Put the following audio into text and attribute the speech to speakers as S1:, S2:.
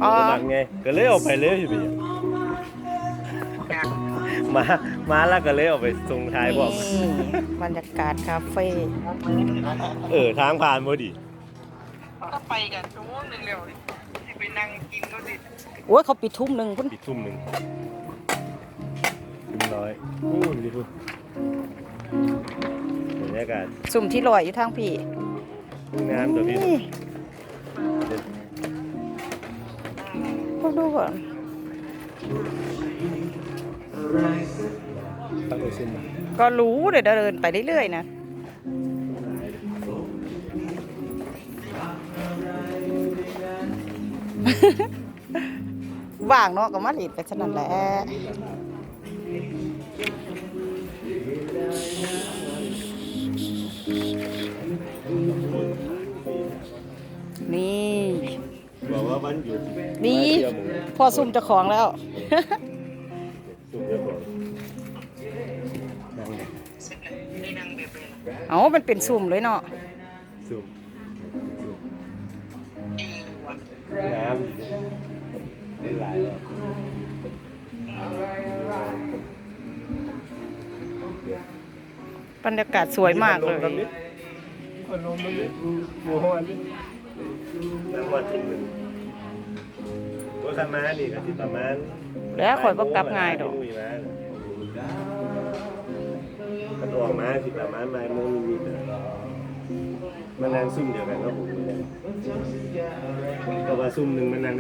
S1: อ๋อ
S2: บ่มักไงก็เลยออกไปเลยอยู่พี่มาแล้วก็เลยออกไปส่งท้ายบอก
S1: นี่บรรยากาศคาเฟ่
S2: ทางผ่านบ่ดิ
S3: ก็ไปกันชั่วโมงนึงแล้วที่ไปนั่งกินก็ดิ
S1: โอ้ยเขาปิดทุ่มหนึ่งพุ่น
S2: ปิดทุ่มหนึ่งทุ่มน้อยดิพุ่นบรรยากาศ
S1: สุ่มที่ลอยอยู่ทางพี่
S2: งามตัวพี่
S1: นี่พวกดูก่อน
S2: ตั้งแต่เส้นมา
S1: ก็รู้เดี๋ยวเดินไปเรื่อยๆนะ ว่างเนาะก็มาหลีดไปฉะนั้นแหละนี่
S2: บอกว่าวันหยุด
S1: นี่
S2: มาเที่ยวหมู่
S1: พอซุ่มเจ้าของแล้ว
S2: ซุ่มเจ้าของนั่ง
S3: ได้นั่งแบบนี้
S1: เอามันเป็นซุ่มเลยเนาะ
S2: ซุ่ม
S3: ดีว่ะ
S2: งามได้หลายรอบบ
S1: รรยากาศสวยมากเลย
S2: คนลมมันบัวฮอนน้ำวันที่หนึ่งตัวธรรมะนี่ก็ที่ประมาณ
S1: แล้วข่อยบ่กลับง่ายดอก
S2: มันออกมาสิประมาณบ่ายโมงนิดๆมันนั่งซุ่มเดียวกันก็ผมแต่ว่าซุ่มหนึ่งมันนั่ง